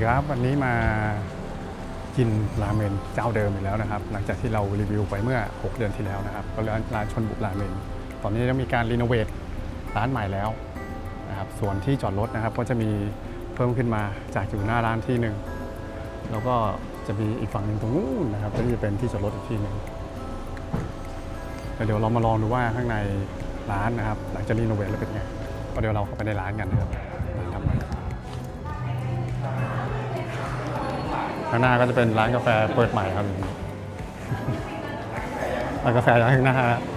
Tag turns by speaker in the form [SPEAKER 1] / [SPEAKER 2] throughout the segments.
[SPEAKER 1] ครับวันนี้มากินราเมนเจ้าเดิมอีกแล้วนะครับหลังจากที่เรารีวิวไปเมื่อ6 เดือนที่แล้วนะครับก็ร้านชนบุราเมนตอนนี้ได้มีการรีโนเวทร้านใหม่แล้วนะครับส่วนที่จอดรถนะครับก็จะมีเพิ่มขึ้นมาจากอยู่หน้าร้านที่หนึ่งแล้วก็จะมีอีกฝั่งหนึ่งตรงนู้นนะครับก็จะเป็นที่จอดรถอีกที่หนึ่งเดี๋ยวเรามาลองดูว่าข้างในร้านนะครับหลังจากรีโนเวทแล้วเป็นไงก็เดี๋ยวเราเข้าไปในร้านกันนะครับข้างหน้าก็จะเป็นร้านกาแฟเปิดใหม่ครับร้านกาแฟข้างหน้า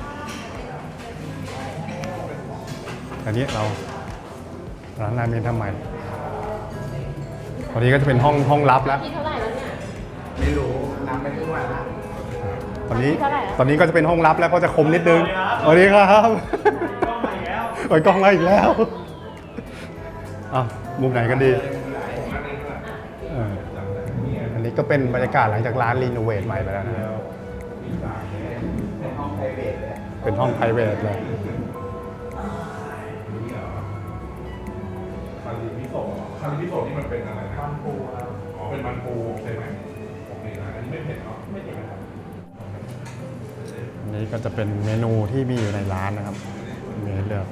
[SPEAKER 1] อันนี้เราร้านราเมนทำใหม่ตอนนี้ก็จะเป็นห้องลับแล้ว
[SPEAKER 2] ที่เท่าไหร่แล้วเนี่ย
[SPEAKER 3] ไม่รู้น้ำไม่รู้ว่า
[SPEAKER 1] ตอนนี้ก็จะเป็นห้องลับแล้วก็จะคมนิดนึงสวัสดีครับกล้องมาอีกแล้วกล้องมาอีกแล้วมุมไหนกันดีอันนี้ก็เป็นบรรยากาศหลังจากร้านรีโนเวทใหม่ไปแล้วนะครับเป็นห้อง private เลย
[SPEAKER 3] คาริมิโซะนี่มันเป็นอะไรนะมันปูครับอ๋อเป็นมันปูใช่ไหมโอเคนะอันนี้ไม่เผ็ดเนาะไม่เผ็ดนะครับ
[SPEAKER 1] อันนี้ก็จะเป็นเมนูที่มีอยู่ในร้านนะครับมีให้เลือก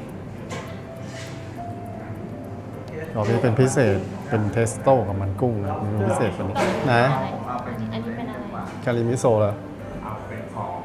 [SPEAKER 1] รอบนี้เป็นพิเศษเป็นเทสโต้กับมันกุ้งนะเมนูพิเศษตัวนี้นะ
[SPEAKER 2] อันนี้เป็นอะไร
[SPEAKER 1] คาริมิโซะเหรอ
[SPEAKER 3] เอาเป็นของ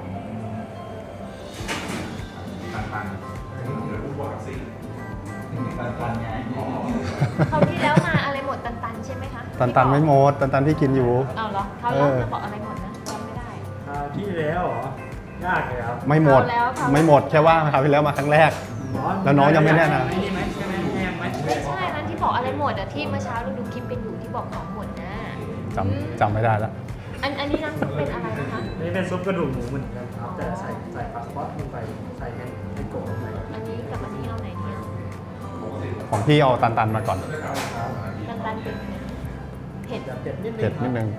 [SPEAKER 3] ตันเดี๋ยวพูดว่าสิตันไง
[SPEAKER 2] เขาที่แล้วมาอะไรหมดตันใช่ไหมคะ
[SPEAKER 1] ตันไม่หมดตันที่กินอยู่
[SPEAKER 2] เอาเหรอเขาเล่าจะบอกอะไรหมดนะจำไม่ได้
[SPEAKER 4] ที่แล้วเหรอยากเลยครับ
[SPEAKER 1] ไม่หมดแค่ว่าคราวที่แล้วมาครั้งแรกแล้วน้องยังไม่แน่นะ
[SPEAKER 2] ไม่ใช่นั้นที่บอกอะไรหมดอะที่เมื่อเช้าเราดูคลิปกันอยู่ที่บอกของหมดนะ
[SPEAKER 1] จำไม่ได้แล้ว
[SPEAKER 2] อันนี้น้ำซุปเป็นอะไรนะคะ
[SPEAKER 4] นี่เป็นซุปกระดูกหมูเหมือนกันครับแต่ใส่ปลาสปอตลงไปใส่ให้โกะลงไป
[SPEAKER 2] อันนี้กับอันนี้เอาไหนเนี่ย
[SPEAKER 1] ของพี่เอาตันมาก่อน
[SPEAKER 2] ตันเป็นเผ็ด
[SPEAKER 1] นิดนึง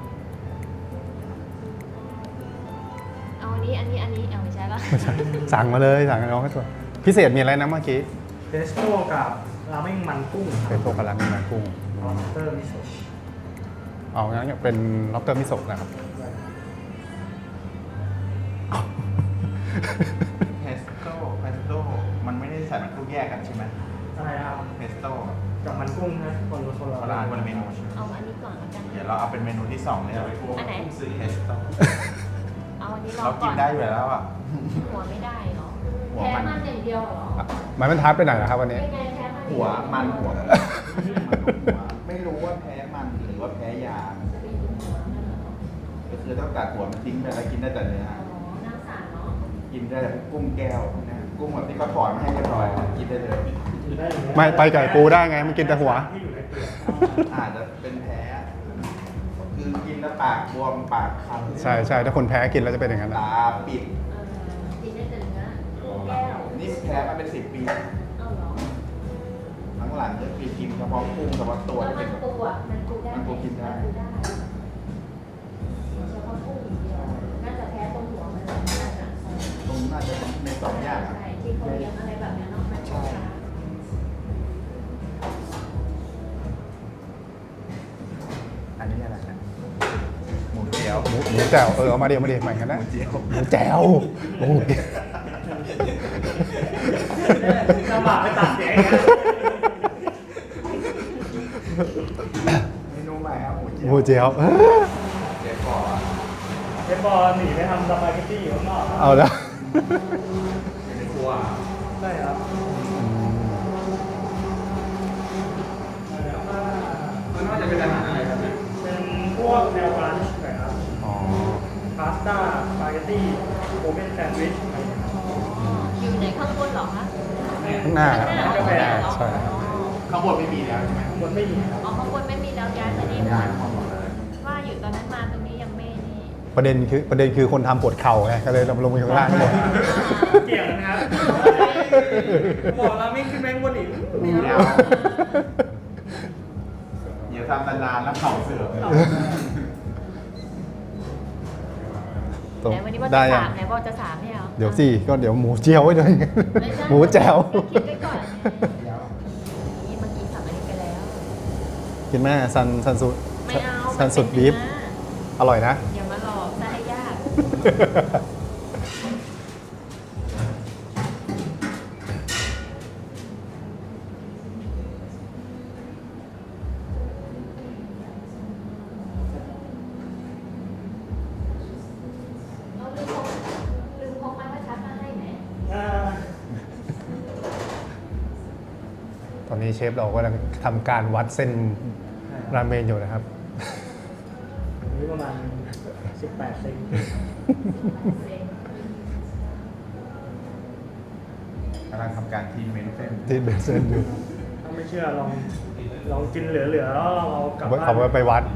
[SPEAKER 2] เอาอันนี้เอาไม่ใช่ละ
[SPEAKER 1] สั่งมาเลยสั่งน้องให้ตัวพิเศษมีอะไรนะเมื่อกี้
[SPEAKER 4] เทสโต้กับราเมงมันกุ้ง
[SPEAKER 1] เทสโต้กับราเมงมันกุ้ง
[SPEAKER 4] ล็อบสเตอร์มิโซะ
[SPEAKER 1] เอางั้นเป็นล็อบสเตอร์มิโซะนะครับ
[SPEAKER 3] เพสโต้มันไม่ได้ใส่มันกุ้งแยกกันใช่ไหม
[SPEAKER 4] ใช่ครับ
[SPEAKER 3] เพสโต้
[SPEAKER 4] กับมันกุ้งนะคน
[SPEAKER 3] ละเมนู
[SPEAKER 2] เอาอันนี้ก่อนกัน
[SPEAKER 3] เดี๋ยวเราเอาเป็นเมนูที่2เลย
[SPEAKER 2] อันไหน
[SPEAKER 3] เพสโต้
[SPEAKER 2] เอาอันนี้เรา
[SPEAKER 3] กินได้อยู่แล้วอ่ะ
[SPEAKER 2] หัวไม่ได้หรอแพ้มันอย่างเดียวหรอ
[SPEAKER 1] มันทับไปไหนนะครับวันนี้
[SPEAKER 3] หัวไม่รู้ว่าแพ้มันหรือว่าแพ้ยาก็คือต้องตัดหัวมันทิ้งไปแล้วกินได้แต่เนื้อกินได้แต่กุ้งแก้วนะกุ้งแบบที่เขาถอนมาให้เรียบร้อยกินได้เลย
[SPEAKER 1] ไม่ไปไก่ปูได้ไงมันกินแต่หัว
[SPEAKER 3] อาจจะเป็นแพ้คือกินแล้วปากบวมปากคัน
[SPEAKER 1] ใช่ถ้าคนแพ้กินแล้วจะเป็นอย่างนั้น
[SPEAKER 3] ตาปิดนี่แพ้มาเป็น10 ปีทั้งหลังจะกินเฉพาะกุ้งเฉพาะตัวที่เป็นมันปูกินได้
[SPEAKER 2] เฉพาะกุ้งอย่างเดียวน่าจะแพ้ตรงหัวมัน
[SPEAKER 3] ตรงน่าจะใน2 อย่าง
[SPEAKER 2] ใช่ที่เขาเลี้ยงอะไรแบบนี้เนาะใช่
[SPEAKER 3] อันนี้อะไรนะหมูแจ่ว
[SPEAKER 1] เอามาเดี๋ยวเหมือนกันนะหมูแจ่วโอ้ย
[SPEAKER 4] ลำบากไปตัดเสียง
[SPEAKER 3] เมนูใหม่ครับ
[SPEAKER 1] หมูแจ่ว
[SPEAKER 3] เชฟ
[SPEAKER 4] บอหนีไปทำสปาเกตตี้อยู่ข้างนอก
[SPEAKER 1] เอาแล้ว
[SPEAKER 3] ในครัว
[SPEAKER 4] ได้ครับ
[SPEAKER 3] มันน่าจะเป็นอาหารอะไรครับ
[SPEAKER 4] เป็นพวกแนวร้านหน่อยครับพาสต้าสปาเกตตี้โอเพ่นแซนด์วิชอะไร
[SPEAKER 2] อยู่ในข้างบนหรอคะ
[SPEAKER 1] ข้างหน้าใช่
[SPEAKER 3] ข้างบนไม่มีแล้วใช่ไหม
[SPEAKER 4] ข้างบนไม่มี
[SPEAKER 2] อ๋อข้างบนไม่มีแล้วย้ายมานี่ว่าอยู่ตอนนั้นมาตรงนี้ยังไม่นี่
[SPEAKER 1] ประเด็นคือคนทำปวดเข่าไงก็เลยลงไปข้างล่างหมด
[SPEAKER 4] เกี่ยวนะครับบอกเราไม่ขึ้นแมงบนอีก
[SPEAKER 3] อย่าทำนานๆแล้วเข่าเสื่อม
[SPEAKER 2] ไหนวันนี้ว่าจะ3ไหนบอกจะ3เนี่ย
[SPEAKER 1] เดี๋ยวสิก็เดี๋ยวหมูเจียวไว้ด้วยหมูแจ่ว
[SPEAKER 2] คิดไว้ก่อนนี่เมื่อกี้สั่งอันนี้ไปแล้ว
[SPEAKER 1] กินแม่ซันสุด
[SPEAKER 2] ไม่เอา
[SPEAKER 1] ซันสุดบีฟอร่อยนะ
[SPEAKER 2] อย่ามาหลอกซะให้ยาก เราลืมพกไม้บรรทัดมาให้ไหม
[SPEAKER 4] อ่า
[SPEAKER 1] ตอนนี้เชฟเรากำลังทำการวัดเส้นราเมนอยู่นะครับ
[SPEAKER 4] อันนี้ประมาณ18เซน
[SPEAKER 3] กำลังทำการทีเมนเส้น
[SPEAKER 1] ที่เป็นเส้นอยู่
[SPEAKER 4] ถ้าไม่เชื่อลองกินเหลือๆแล้วเอากลับบ้าน
[SPEAKER 1] เอาไปวัด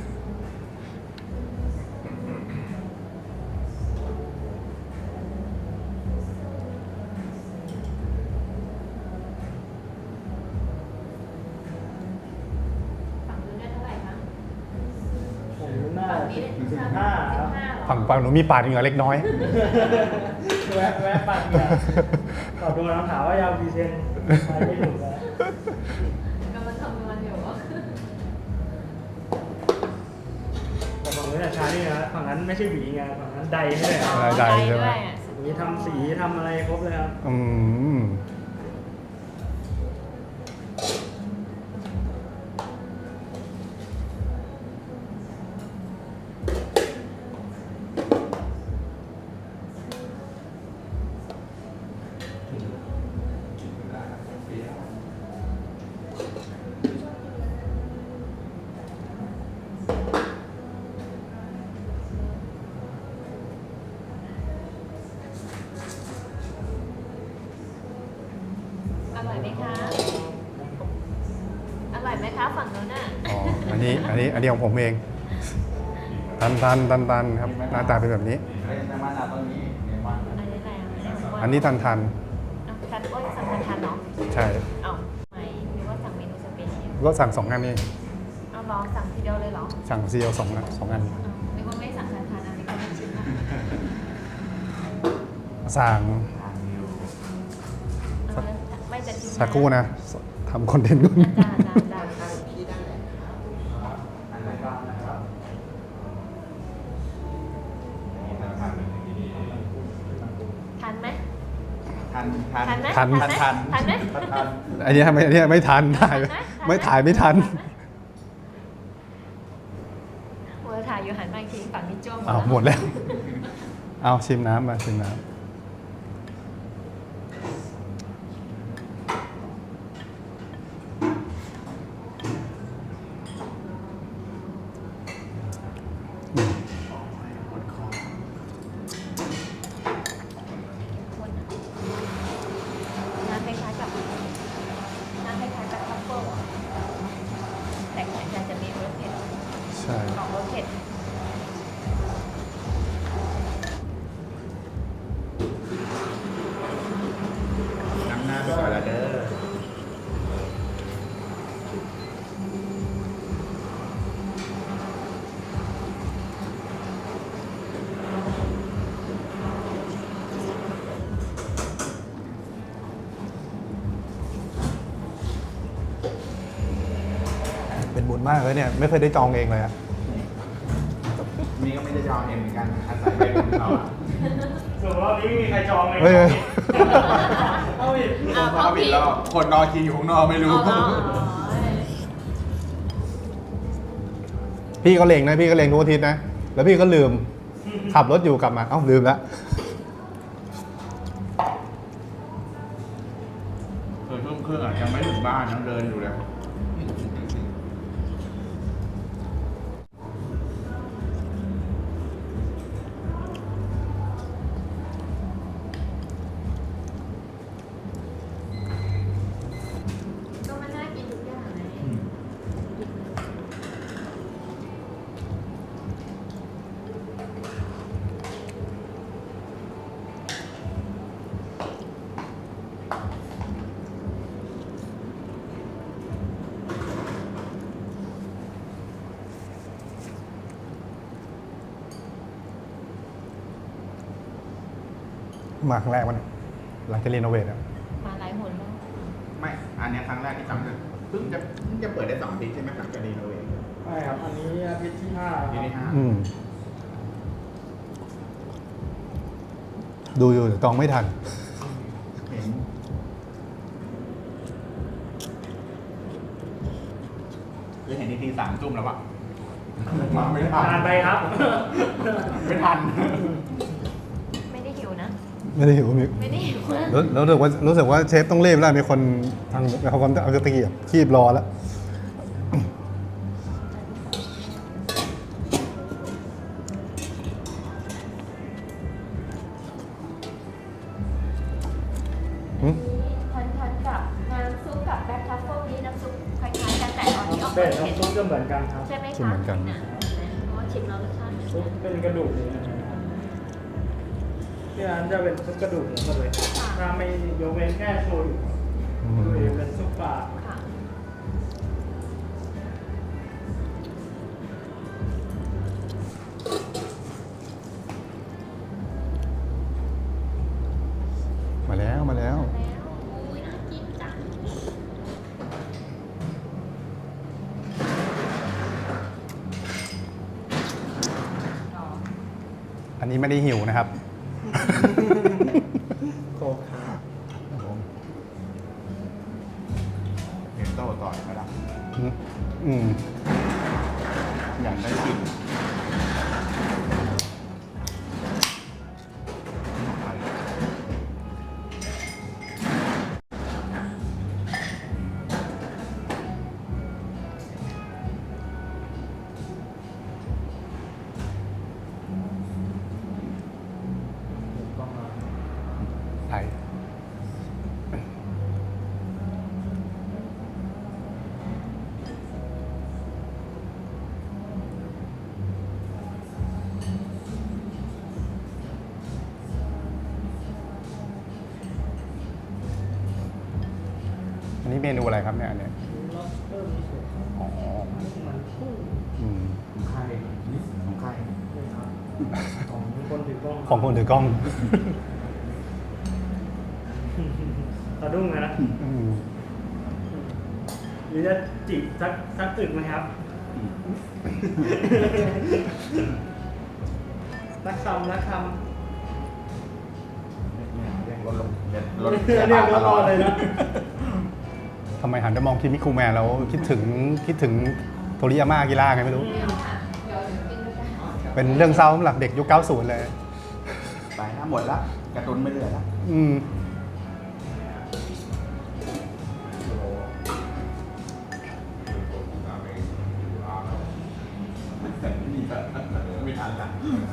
[SPEAKER 2] ฝั่งนู้นได้เท่าไหร่คะ
[SPEAKER 4] ผมน่า
[SPEAKER 2] ฝั่งนี้ได้
[SPEAKER 4] 15ครับ
[SPEAKER 2] 15เหรอ
[SPEAKER 1] ฝั่งหนูมีปาดเหงื่อเล็กน้อย
[SPEAKER 4] แวะปั่นเนี่ยตอบโดนคำถามว่ายาวกี่เซนไปไม่ถูกแล้ว
[SPEAKER 2] กำลังคำนวณอยู่ว่า
[SPEAKER 4] แต่ฝั่งนู้นช้านี่นะฝั่งนั้นไม่ใช่หวีไงฝั่งนั้นใดให้เลยครับ
[SPEAKER 1] ได้ ใช่ไหม
[SPEAKER 2] ด้วย
[SPEAKER 4] มีทำสีทำอะไรครบเลยครับ
[SPEAKER 1] อืม
[SPEAKER 2] อร่อยไหมคะ อร่อยไหมคะฝั่งนู้นน่ะ
[SPEAKER 1] อ๋อ อันนี้ของผมเอง ตันครับ หน้าตาเป็นแบบนี้
[SPEAKER 3] เฮ้ยน้ำมันเอาต้นนี้เนี่ยมัน
[SPEAKER 2] อันนี้อะไรอ่ะ
[SPEAKER 1] อันนี้ทัน
[SPEAKER 2] อ่ะทันโอ้ยสั่งทันเนาะ
[SPEAKER 1] ใช่
[SPEAKER 2] เอ้าไม่หรือว่าสั่งเมนูสเปเชียล
[SPEAKER 1] ก็สั่ง2 อันนี้
[SPEAKER 2] เอาลองสั่งทีเดียวเลยเหรอ
[SPEAKER 1] สั่งซีเอล2 อัน
[SPEAKER 2] อ้าวนึกว่าไม่สั่งทันอันนี้ก็ไม่ชิมนะ
[SPEAKER 1] สั่ง
[SPEAKER 2] เอาแล้วไม่จะชิมนะ
[SPEAKER 1] สักครู่นะทำคอนเทนต์ก่อน
[SPEAKER 2] จ้า
[SPEAKER 3] อันไหนบ้างนะครับนี่นะครับ
[SPEAKER 2] ทันไหม
[SPEAKER 3] ทัน
[SPEAKER 2] ทันไหม
[SPEAKER 1] ทัน
[SPEAKER 2] ไหมทันไหม
[SPEAKER 3] ทัน
[SPEAKER 1] อันนี้ไม่ทันถ่าย
[SPEAKER 2] ทันไหม
[SPEAKER 1] ไม่ถ่ายไม่ทัน
[SPEAKER 2] เวอร์ถ่ายอยู่หันมาอีกทีฝั่งนี้จ้วง
[SPEAKER 1] อ้าวหมดแล้ว เอาชิมน้ำมาชิมน้ำอืม
[SPEAKER 2] คนอ่ะน้ำคล้ายๆกับทัฟเฟิลอ่ะแต่เหมือนกันจะมีรสเผ็ด
[SPEAKER 1] ใช่
[SPEAKER 2] ออกรสเผ็ด
[SPEAKER 3] น้ำหน้าไปก่อนละเด้อ
[SPEAKER 1] เป็นบุญมากเลยเนี่ย ไม่เคยได้จองเองเลยอะ
[SPEAKER 3] นี่ก็ไม่ได้จองเองเหมือนกันอาศัยไปของเขาอะ
[SPEAKER 4] ส่วนรอบนี้ไม่มีใครจองเลย
[SPEAKER 1] เฮ้ย
[SPEAKER 4] เอาอีก
[SPEAKER 3] มีคนเข้าผิดรอบคนรอคิวอยู่ข้างนอกไม่รู้
[SPEAKER 1] พี่ก็เลงนะพี่ก็เลงทุกอาทิตย์นะ แล้วพี่ก็ลืม ขับรถอยู่กลับมา เอ้าลืมแล้ว
[SPEAKER 3] ทุ่มครึ่งอ่ะยังไม่ถึงบ้านยังเดินอยู่เลย
[SPEAKER 2] ก็มันน่ากินทุกอย่างเลย
[SPEAKER 1] มาครั้งแรกวันยหลังจากรีโนเวทอะ
[SPEAKER 2] มาหลายหนแล้ว
[SPEAKER 3] ไม่ อันเนี้ยครั้งแรกที่จำเลยเพิ่เพิ่งจะเปิดได้2 อาทิตย์ใช่ไหมหลังจากรีโนเวท
[SPEAKER 4] ใช่ครับ อันนี้อาทิตย์ที่ 5
[SPEAKER 3] ที่นี่ห้า
[SPEAKER 1] ดูอยู่แต่กองไม่ทัน
[SPEAKER 3] เห็นคือเห็นที3 ทุ่มแล้วอะมาไม่ทัน
[SPEAKER 4] นานไปครับ
[SPEAKER 3] ไม่ทัน
[SPEAKER 2] ไม่ได้หิวนะ
[SPEAKER 1] ไม่ได้หิวมิก
[SPEAKER 2] ไม่ได้หิวนะ
[SPEAKER 1] แล้วรู้สึกว่าเชฟต้องรีบแล้วมีคนทางเขาเอาตะเกียบคีบรอแล้ว
[SPEAKER 2] ทันกับน้ำซุปกับแบ็คทัฟเฟิลนี้น้ำซุปคล้ายๆกันแต่ตอนนี้ออก
[SPEAKER 4] เป็
[SPEAKER 2] มา
[SPEAKER 4] ด
[SPEAKER 2] เผ็ด
[SPEAKER 4] น้ำซุปก็เหมือนกันครับ
[SPEAKER 2] ใช่ไหม
[SPEAKER 1] ซุป
[SPEAKER 2] คะ
[SPEAKER 1] เหมือนกัน
[SPEAKER 2] ะเพราะว่าชิมแล้วรสชาติเหมือน
[SPEAKER 4] ซุ
[SPEAKER 2] กั
[SPEAKER 4] ป
[SPEAKER 2] น
[SPEAKER 4] เป็นกระดูกเลยนะที่ร้านจะเป็นซุปกระดูกหมดเลยถ้าไม่ยกเว้นแค่โชยุโชยุเป็นซุปปลา
[SPEAKER 2] ค่ะ
[SPEAKER 1] มาแล้ว
[SPEAKER 2] แล้วอุ้ยน่ากินจัง
[SPEAKER 1] อันนี้ไม่ได้หิวนะครับ
[SPEAKER 4] โคครับ
[SPEAKER 3] เห็นโต้ต่อยไหมล่ะ
[SPEAKER 1] อืม
[SPEAKER 3] อยากได้กลิ่น
[SPEAKER 1] ไทยอันนี้เมนูอะไรครับเนี่ยอันเนี้ย
[SPEAKER 4] ล็อบสเตอร์มิโซะ
[SPEAKER 1] อ๋อ
[SPEAKER 4] มันกุ้ง
[SPEAKER 1] อืม
[SPEAKER 3] ของใครของใคร
[SPEAKER 4] นี่ครับของคนถือกล้อง
[SPEAKER 1] ของคนถือกล้อง
[SPEAKER 4] สะดุ้งเลยนะ
[SPEAKER 1] อืม
[SPEAKER 4] หรือจะจิบสักตึกไหมครับนักคำ
[SPEAKER 3] เรียกรถลงรถ
[SPEAKER 4] เรียกรถเลยนะ
[SPEAKER 1] ทำไมหันไปมองคิมิคุแมนแล้วคิดถึงโทริยาม่ากิล่าไงไม่รู้
[SPEAKER 2] เดี๋ยวกินด้วยกัน
[SPEAKER 1] เป็นเรื่องเศร้าสำหรับเด็กยุค 90 เลย
[SPEAKER 3] ไปนะหมดละการ์ตูนไม่เหลือละ
[SPEAKER 1] อืม
[SPEAKER 3] แต่ไม่มีแบบไม่ทันละ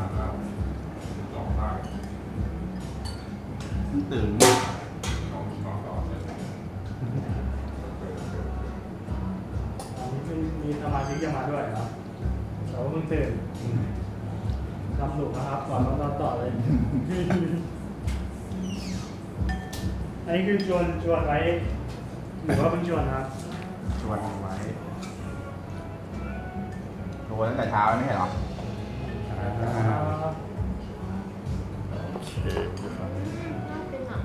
[SPEAKER 3] ตื่น
[SPEAKER 4] มีสมาชิกจะมาด้วยเหรอแต่ว่าเพิ่งตื่นทำหนุกนะครับก่อนนอนต่อเลย อันนี้คือชวนไว้หรือว่าเพิ่งชวนครับ
[SPEAKER 3] ชวนไว้ชวนตั้งแต่เช้าไม่ใช่หรอ
[SPEAKER 2] เป็นหนัง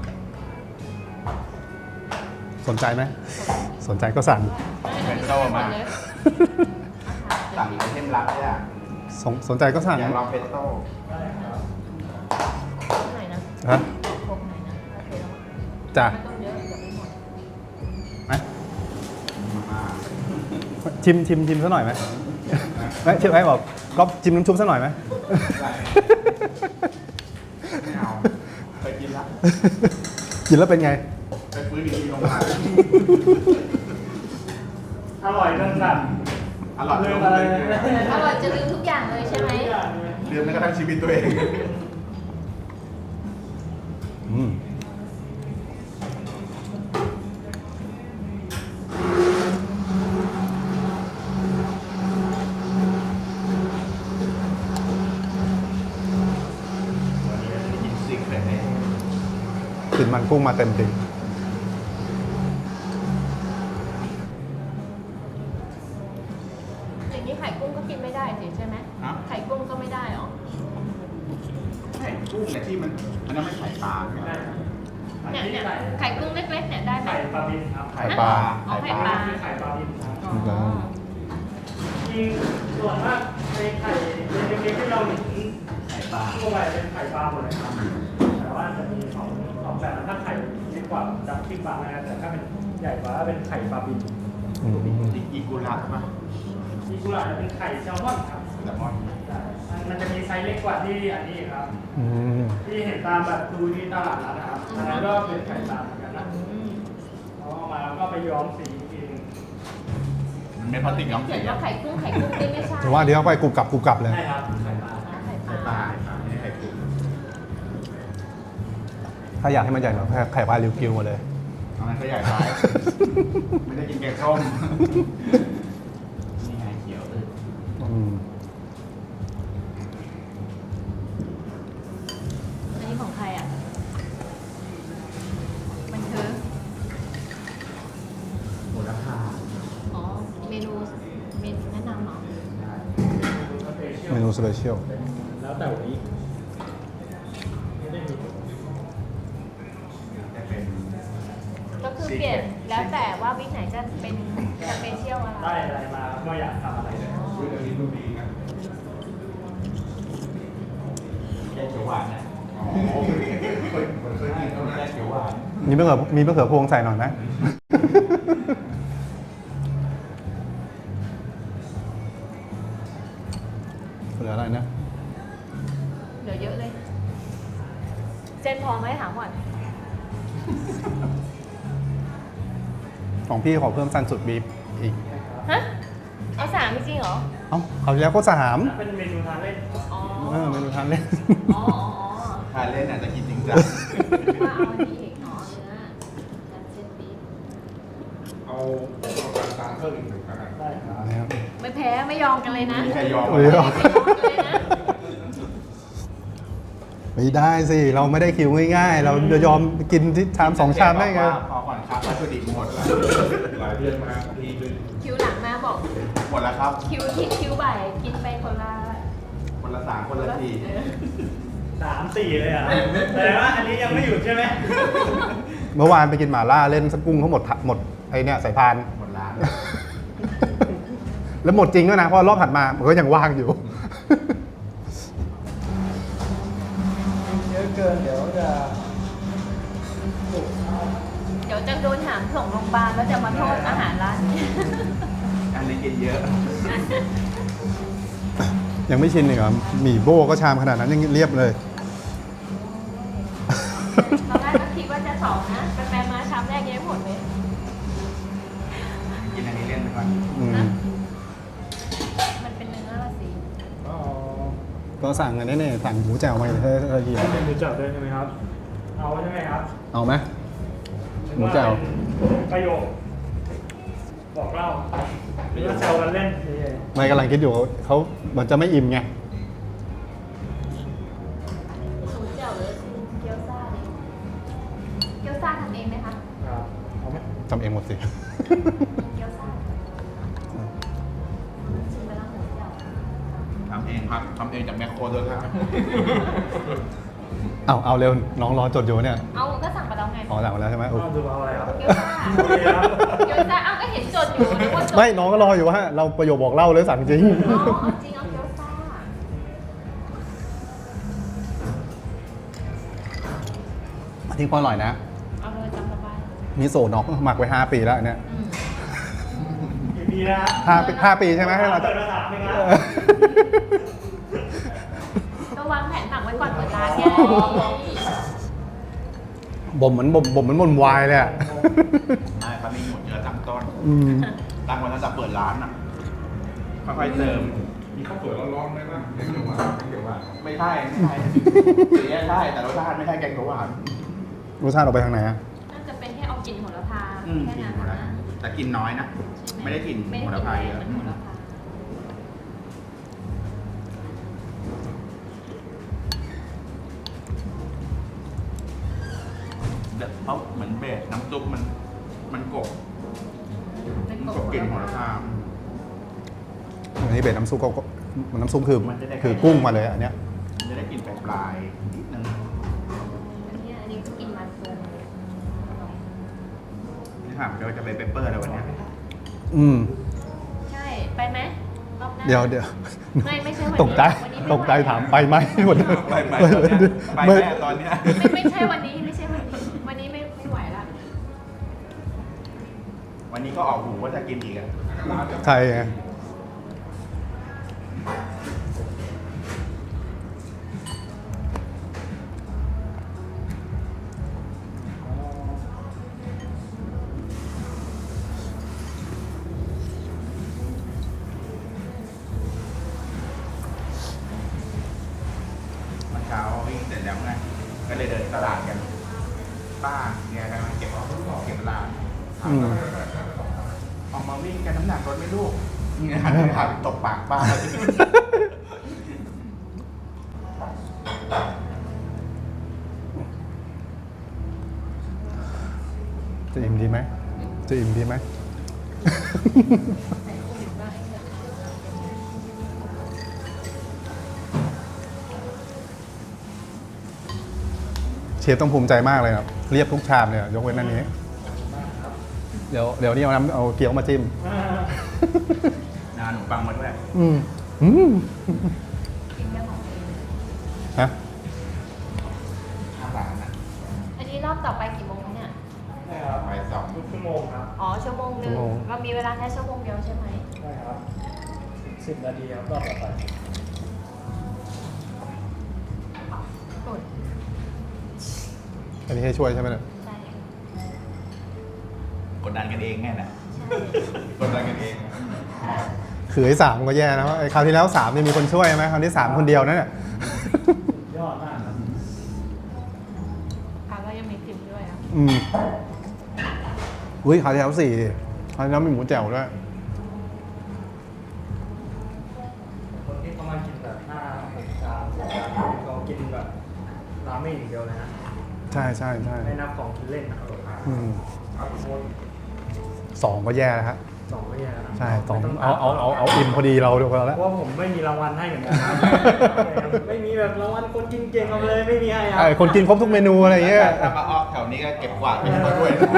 [SPEAKER 1] สนใจไหม สนใจก็สั่ง
[SPEAKER 3] เป็นโต้มาสั่งไอเทมลับเนี่ย
[SPEAKER 1] สนใจก็สั่ง
[SPEAKER 3] อยากลองเป็นโต้
[SPEAKER 4] ได้ครับ
[SPEAKER 2] ไหนนะ
[SPEAKER 1] ฮะ
[SPEAKER 2] ครบไหนนะโอเคแล้ว
[SPEAKER 1] จ้ะ
[SPEAKER 2] ไม่ต้องเยอะเดี๋ยวไม่หมด
[SPEAKER 1] ไหม
[SPEAKER 3] มา
[SPEAKER 1] ชิมซะหน่อยไหมไม่เชฟไอ้บอกก๊อฟจิ้มน้ำชุบซะหน่อยไหม
[SPEAKER 3] ไม่เอาเคยกินละ
[SPEAKER 1] กินแล้วเป็นไง
[SPEAKER 3] ไปฟื้นอีกทีลงมา
[SPEAKER 4] อร่อยจนสั่น
[SPEAKER 3] อร่อย
[SPEAKER 4] ลืม
[SPEAKER 3] ล
[SPEAKER 4] อะไร
[SPEAKER 3] งเลย
[SPEAKER 2] อร่อยจะลืมทุกอย่างเลยใช่ไหม
[SPEAKER 3] ลืมแม้กระทั่งชีวิตตัวเอง
[SPEAKER 1] อืม
[SPEAKER 3] วันนี้จะกินซิกเลยเนี่ย
[SPEAKER 1] กลิ่นมันกุ้งมาเต็มติ่ง
[SPEAKER 2] อย่างนี้ไข่กุ้งก็กินไม่ได้สิใช่ไหม
[SPEAKER 3] ฮะ
[SPEAKER 2] ไข่กุ้งก็ไม่ได้หรอ
[SPEAKER 3] ไข่กุ้งเนี่ยที่มันอันนั้นไม่ไข่ปลาใช่ไหม
[SPEAKER 4] ได้ครับ
[SPEAKER 3] อ
[SPEAKER 4] อัน
[SPEAKER 2] เนี่ย
[SPEAKER 4] นี้
[SPEAKER 2] เนี่ย
[SPEAKER 4] ไข่
[SPEAKER 2] ไข่กุ้งเล็กๆเนี่ยได้ไหม
[SPEAKER 4] ไข่ปลาบินครับ
[SPEAKER 3] ไข่ปลา
[SPEAKER 2] อ๋อไข่ปลา
[SPEAKER 4] ไข่ปลาบินครับ
[SPEAKER 2] อ๋อ
[SPEAKER 4] จริงส่วนมากในไข่เล็กๆที่เราเห็น
[SPEAKER 3] ไข่ปลา
[SPEAKER 4] ทั่วไปเป็นไข่ปลาหมดเลยครับแต่ว่าจะมีสองแบบถ้าไข่เล็กกว่าจะขึ้นปลานะครับแต่ถ้าเป็นใหญ่กว่าเป็นไข่ปลาบิน
[SPEAKER 3] อีกุระป่ะ
[SPEAKER 4] อีกุระจะเป็นไข่แซลมอนครับ
[SPEAKER 3] แซลมอน
[SPEAKER 4] ใช่มันจะมีไซส์เล็กกว่าที่อันนี้ครับ
[SPEAKER 1] อืม
[SPEAKER 4] ที่เห็นตามแบบดูที่ตลาดนัดนะครับอันนั้นก็เป็นไข่ปลาเหมือนกันนะ
[SPEAKER 2] อืม
[SPEAKER 4] เอามาแล้วก็ไปย้อมสีอีกทีหนึง
[SPEAKER 3] มันเป็นพลาสติกย้อม
[SPEAKER 2] เขี
[SPEAKER 3] สี
[SPEAKER 2] ยนว่าไข่กุ้งนี่ไม่ใช่
[SPEAKER 1] แต่ว่าเดี๋ยวไปกรุบกรับเลย
[SPEAKER 4] ใช่ครับไข่ปลา
[SPEAKER 2] อ๋อไข่ป
[SPEAKER 3] ไข่ป
[SPEAKER 2] ลา
[SPEAKER 3] ลาไม่ใช่ไข่กุ้ง
[SPEAKER 1] ถ้าอยากให้มันใหญ่หน่อยไข่ปลาริวกิวมาเลย
[SPEAKER 3] เอางั้นก็ใหญ่ไปไม่ได้กินแกงส้มนี่ไงเขียวเลย
[SPEAKER 1] อืม
[SPEAKER 2] อันนี้ของใครอ่ะ มันคือ
[SPEAKER 3] โหระพา
[SPEAKER 2] อ๋อ เมนูแนะนำเหรอ
[SPEAKER 1] เมนูสเปเชียล
[SPEAKER 4] แล้วแต่วันนี้ไม่ได้มี
[SPEAKER 3] จะเป็น
[SPEAKER 2] ก็คือเปลี่ยนแล้วแต่ว่าวิกไหนจะเป็นสเปเชียลอะไร
[SPEAKER 4] ได้อะไรมาก็อยากทำอะไรเลย
[SPEAKER 3] อุ้ยเดี๋ยวนี้ดูดีนะแกงเขียวหวานนะอ๋อเคยกินเขาแกงเขียวหวาน
[SPEAKER 1] มีมะเขือพวงใส่หน่อยไหม เหลืออะไรนะ
[SPEAKER 2] เหลือเยอะเลย เจนพอไหมถามก่อน
[SPEAKER 1] ของพี่ขอเพิ่มซันสุดบีฟอีก
[SPEAKER 2] ฮะ เอา3จริงเหรอ
[SPEAKER 1] เอ้าเขาวที่แล้วก็3
[SPEAKER 4] เป็นเมนูทานเล่น
[SPEAKER 2] อ๋อ
[SPEAKER 1] เมนูทานเล่น
[SPEAKER 2] อ๋อ
[SPEAKER 3] ทานเล่นอาจจะกินจริงจัง
[SPEAKER 2] ว่าเอาอันนี้อีกอ๋อเนื้อจัดเซตบีฟ
[SPEAKER 5] เอาการตามเพิ่มอีกหนึ่งแล้วกัน
[SPEAKER 4] ได้ครับ
[SPEAKER 1] นะครับ
[SPEAKER 2] ไม่แพ้ไม่ยอมกันเลยนะ
[SPEAKER 3] มีใครยอม
[SPEAKER 1] ไม่ยอม
[SPEAKER 2] ไม่ยอมกันเลยนะ
[SPEAKER 1] ไม่ได้สิ เราไม่ได้คิวง่ายๆ เราจะยอมกินที่ชาม2 ชามได้ไง
[SPEAKER 3] พอก่อนครับวัตถุดิบหมดแล้ว
[SPEAKER 5] หลายเดือนมาทีนึง
[SPEAKER 2] คิวหลังมาบอก
[SPEAKER 3] หมดแล้วครับ
[SPEAKER 2] คิวบ่ายกินไปคนละ
[SPEAKER 3] คนละ3คนละที
[SPEAKER 2] เออ
[SPEAKER 4] 3-4 เลยอ่ะแต่ว่าอันนี้ยังไม่หยุดใช่ไหม
[SPEAKER 1] เมื่อวานไปกินหม่าล่าเล่นสกุ้งเขาหมดไอเนี่ยสายพาน
[SPEAKER 3] หมดร้าน
[SPEAKER 1] แล้วหมดจริงด้วยนะ เพราะรอบถัดมามันก็ยังว่างอยู่
[SPEAKER 4] เยอะเกินเดี๋ยวจะ
[SPEAKER 2] เดี๋ยวจะโดนหามส่งโรงพยาบาลแล้วจะมาโทษอาหารร้านนี้
[SPEAKER 3] อันนี้กินเยอะ
[SPEAKER 1] ยังไม่ชินอีกเหรอหมี่โบ้ก็ชามขนาดนั้นยังเรียบเลย
[SPEAKER 2] ตอนแรกก็คิดว่าจะ2นะไปมาชามแรกยังไม่หมดเลย
[SPEAKER 3] กินอันนี้เล่นไปก่อน
[SPEAKER 1] อืม
[SPEAKER 2] มันเป็นเนื้อละสิ
[SPEAKER 4] อ๋อ
[SPEAKER 1] ก็สั่งอันนี้เนี่ยสั่งหมูแจ่วมาเลยเธอเดียว
[SPEAKER 4] เป็นหมูจับด้วยใช่ไหมครับ เอาใช่ไหมครับ
[SPEAKER 1] เอาไหม หมูแจ่ว
[SPEAKER 4] ประโยคบอกเล่าหรือว่าแซวกันเล่นเฉย
[SPEAKER 1] ไม่กำลังคิดอยู่เขาเหมือนจะไม่อิ่มไง
[SPEAKER 2] สูตรเจียวหรือเกี๊ยวซ่าดิเกี๊ยวซ่าทำเองไหมคะ
[SPEAKER 4] ๆครับเอาไหม
[SPEAKER 1] ทำเองหมดสิ
[SPEAKER 2] เกี๊ยวซ่าชิมไปแล้วหมูเจียว
[SPEAKER 3] ทำเองครับทำเองจากแมคโครด้วยครับ
[SPEAKER 1] เอาเร็วน้องรอจดอยู่เนี่ย
[SPEAKER 2] เอาก็สั่งไปแล้วไง
[SPEAKER 1] อ๋อสั่งมาแล้วใช่ไหมโอ้
[SPEAKER 4] เอาดูเอาอะไรครับ
[SPEAKER 2] เกี๊ยวซ่า
[SPEAKER 4] โอเคครับ
[SPEAKER 2] เกี๊ยวซ่าเอาก็เห็นจดอยู่นึกว่าจด
[SPEAKER 1] ไม่น้องก็รออยู่ว่าเราประโยคบอกเล่าเลยสั่งจริง
[SPEAKER 2] อ๋อเอาจริงเอาเกี๊ยวซ่า
[SPEAKER 1] อันนี้ก็อร่อยนะ
[SPEAKER 2] เอาเลยจำสบาย
[SPEAKER 1] มิโซะน็อกหมักไว้5 ปีแล้วอันเนี่ย
[SPEAKER 4] กี่ปีนะ
[SPEAKER 1] 5 ปีใช่ไหมให้เรา
[SPEAKER 4] เปิดภาษาไหมครับ
[SPEAKER 2] ก็วางแผนหมักไว้ก่อนเปิดร้านไง
[SPEAKER 1] บ่มเหมือนบ่มวายเลยอ่ะ
[SPEAKER 3] ใช่ครับมีหมดเยอะตั้งต้น
[SPEAKER 1] อืม
[SPEAKER 3] ตั้งไว้ตั้งแต่เปิดร้านอ่ะ ค่อยๆเติม
[SPEAKER 5] มีข้าวสวยร้อนๆไหมนะแกงเขียวหวานแกงเขียวหวาน
[SPEAKER 3] ไม่ใช่สีใช่แต่รสชาติไม่ใช่แกงเขียวหวาน
[SPEAKER 1] รสชาติออกไปทางไหนอ่ะ
[SPEAKER 2] น่าจะเป็นแค่เอากลิ่นโหระพาแค่
[SPEAKER 3] กิน
[SPEAKER 2] นั้น
[SPEAKER 3] หมดแล้ว
[SPEAKER 2] นะ
[SPEAKER 3] แต่กินน้อยนะ ไม่ได้กิน
[SPEAKER 2] ไม่
[SPEAKER 3] โห
[SPEAKER 2] ได้
[SPEAKER 3] ระ
[SPEAKER 2] ก
[SPEAKER 3] พา
[SPEAKER 2] ลิ่น
[SPEAKER 3] เย
[SPEAKER 2] แรง
[SPEAKER 3] อะ
[SPEAKER 2] เหมือนโหระพา
[SPEAKER 3] เพราะเหมือนเบสน้ำซุปมันกบ
[SPEAKER 2] เป็น
[SPEAKER 3] มัน
[SPEAKER 2] ก
[SPEAKER 3] กบกลิ่นโหระพา
[SPEAKER 1] อันนี้เบ็ดน้ำซุปก็น้ำซุปคือ
[SPEAKER 3] มันจะได้
[SPEAKER 1] คือกุ้งมาเลยอันเนี้ย
[SPEAKER 3] มันจะได้กลิ่นปลายๆนิดนึง
[SPEAKER 2] อันนี้ก็กินมันปู
[SPEAKER 3] ช่ไหมเราจะไปเปเปอร์แล้ววันเนี้ย
[SPEAKER 1] อืม
[SPEAKER 2] ใช่ไปไหมรอบหน้า
[SPEAKER 1] เดี๋ยว
[SPEAKER 2] ไม่ใช่วันนี้
[SPEAKER 1] ตกใจ
[SPEAKER 2] วันนี้ไม่
[SPEAKER 1] ตกใจ
[SPEAKER 2] ไหว
[SPEAKER 1] ถามไปไหมวันนี้
[SPEAKER 3] ไปตอนเนี้ยไปแม่ตอนเนี้ย
[SPEAKER 2] ไม่ใช่วันนี้ไม่ใช่วันนี้วันนี้ไม่ไหวละ
[SPEAKER 3] วันนี้ก็ออกหูว่าจะกินอีกอะ
[SPEAKER 1] ใช่ไง
[SPEAKER 3] เมื่อเช้าวิ่งเสร็จแล้วไงก็เลยเดินตลาดกัน ป้าเนี่ยกำลังเก็บร้าน
[SPEAKER 1] อืม
[SPEAKER 3] ออกมาวิ่งกันน้ำหนักลดไหม่ลูกเนี่ยหันไปถามตบปากป้า
[SPEAKER 1] จะอิ่มดีไหมจะอิ่มดีไหม เชฟต้องภูมิใจมากเลยครับเรียบทุกชามเนี่ยยกเว้นอันนี้ เดี๋ยวนี่เอาเกี๊ยวมาจิ้ม
[SPEAKER 3] นาขนมปังมาด้วย
[SPEAKER 1] อืมอืม
[SPEAKER 2] กินแค่ของตัวเอง
[SPEAKER 1] ฮะ
[SPEAKER 3] 5 บาทนะ
[SPEAKER 2] อันนี้รอบต่อไปกี่โมงเนี่ย
[SPEAKER 4] ใช่ครับ
[SPEAKER 3] ไปสอง
[SPEAKER 4] ทุกชั่วโมงครับ
[SPEAKER 2] อ๋อชั่วโมงหนึ่งเรามีเวลาแค่ชั่วโมงเดียวใช่ไหม
[SPEAKER 4] ใช่ครับ10 นาทีครับรอบต่อไป
[SPEAKER 2] อุด
[SPEAKER 1] อันนี้ให้ช่วยใช่ไหมเนี่ย
[SPEAKER 2] ใช่
[SPEAKER 3] กดดันกันเองแน่แหละ
[SPEAKER 2] ใช่
[SPEAKER 3] กดดันกันเอง
[SPEAKER 1] คือไอ้3ก็แย่นะไอ้คราวที่แล้ว3เนี่ยมีคนช่วยไหมคราวที่3คนเดียวนั่นแหละ
[SPEAKER 4] ยอดมากครับ
[SPEAKER 2] ค่ะก็ยังมีพิมพ์ด้วยอ่ะ
[SPEAKER 1] อืมอุ้ยคราวที่แล้ว4ดิคราวที่แล้วมีหมูแจ่วด้วย
[SPEAKER 4] คนที่เขามากินแบบ5-6 ชามเขากินแบบราเมงอย่างเดียวเลยนะ
[SPEAKER 1] ใช่ใช่ใช่
[SPEAKER 4] ไม่นับของกินเล่นนะครับ
[SPEAKER 1] อืม
[SPEAKER 4] เอาหมด
[SPEAKER 1] 2ก็แย่แล้วฮะ
[SPEAKER 4] 2 ไม่แย่นะ
[SPEAKER 1] ใช่สอง
[SPEAKER 4] ไม่ต้
[SPEAKER 1] เอาอิ่มพอดีเราเดียวกัน
[SPEAKER 4] เพ
[SPEAKER 1] แล้ว
[SPEAKER 4] ราะว่าผมไม่มีรางวัลให้เหมือนกันครับ ไม่มีแบบรางวัลคนกินเก่งเอาเลยไม่มีให้ครั
[SPEAKER 1] คนกินครบทุกเมนูอะไรอย่างเงี้ย
[SPEAKER 3] ถ้ามาออกแถวนี้ก็เก็บกวาดไปให้เขาด้วยนะ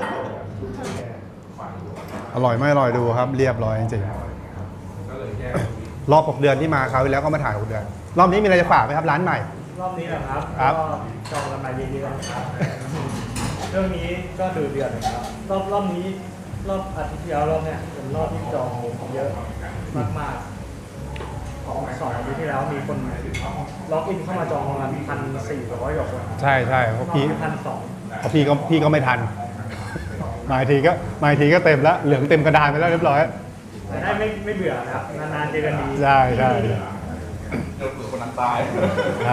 [SPEAKER 1] อร่อยไม่อร่อยดูครับ เรียบร้อยจริง
[SPEAKER 5] ก็เลยแยก
[SPEAKER 1] ๆรอบ6 เดือนที่มาคราวที่แล้วก็มาถ่าย6 เดือน รอบนี้มีอะไรจะฝากไหมครับร้านใหม่
[SPEAKER 4] รอบนี้แหละครับ
[SPEAKER 1] ครับ
[SPEAKER 4] ก็จองกันมาเยอะๆนะครับ เรื่องนี้ก็ดูเดือดนะครับรอบนี้รอบอาทิตย์ที่แล้วรอบเนี้ยเป็นรอบที่จองเยอะมากๆของ2 อาทิตย์ที่แล้วมีคนล็อกอินเข้ามาจองประมาณ1,400 กว่าคน
[SPEAKER 1] ใช่ใช่เพราะพี่
[SPEAKER 4] 1,200
[SPEAKER 1] เพราะพี่ก็ไม่ทัน มาอีกทีก็เต็มแล้วเหลืองเต็มกระดานไปแล้วเรียบร้อย
[SPEAKER 4] แต่ได้ไม่เบื่อนะครับนานๆเจอกันดี
[SPEAKER 1] ใช่ใช่
[SPEAKER 3] โดนเผื่อคนนั้นตาย
[SPEAKER 1] ใช่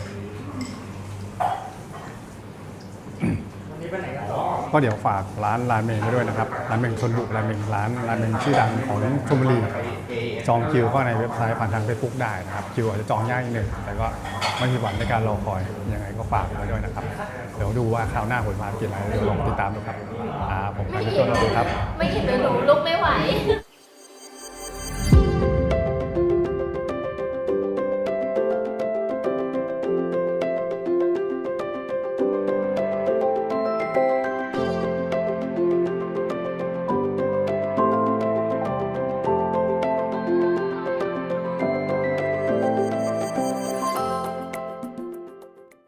[SPEAKER 4] วันนี้ไปไหนกันต่อ
[SPEAKER 1] ก็เดี๋ยวฝากร้านราเมงไว้ด้วยนะครับราเมงชนบุรีราเมงร้านราเมงชื่อดังของชลบุรี จองคิวเข้าในเว็บไซต์ผ่านทาง Facebook ได้นะครับคิวอาจจะจองยากนิดนึงแต่ก็ไม่มีหวังในการรอคอยยังไงก็ฝากไว้ด้วยนะครับ เดี๋ยวดูว่าคราวหน้าผมพาไปกินอะไรเดี๋ยวลองติดตามดูครับผมไป
[SPEAKER 2] ไม่
[SPEAKER 1] เป็น
[SPEAKER 2] เห็
[SPEAKER 1] ต้นแล้วครับ
[SPEAKER 2] ไม่เห็นหนูลุกไม่ไหว